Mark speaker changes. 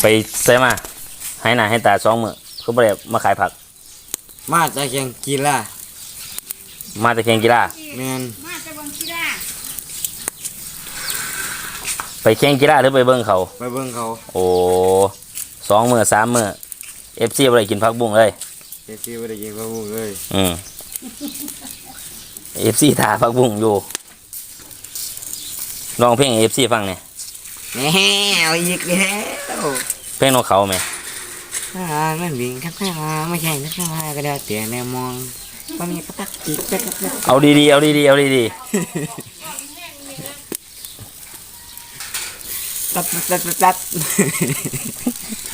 Speaker 1: ไปใส่มาให้หน้าให้ตา2 มื้อคือบ่ได้มาขายผัก
Speaker 2: มาจากแข่งกีฬา
Speaker 1: มาแต่แข่งกีฬา
Speaker 2: แม่น
Speaker 3: มาจะบังกีฬา
Speaker 1: ไปแข่งกีฬาหรือไปเบิ่งเขา
Speaker 2: ไปเบิ่งเขา
Speaker 1: โอ้2 มื้อ3 มื้อ FC บ่ได้กินผักบุ้งเลย
Speaker 2: เอฟซีบ่ได้กินผักบุ้งเลย
Speaker 1: FC ถ่าผักบุ้งอยู่ร้องเพลงให้ FC ฟังเนี่ย
Speaker 2: แหมเอาอีกแล้ว
Speaker 1: เพลงนกเขาไหม
Speaker 2: มันวิ่งข้างๆไม่ใช่ข้างๆก็ได้แต่แนวมองก็มีกระตักอีกกระตัก
Speaker 1: เอาดีๆเอาดีๆเอาดี
Speaker 2: ตัด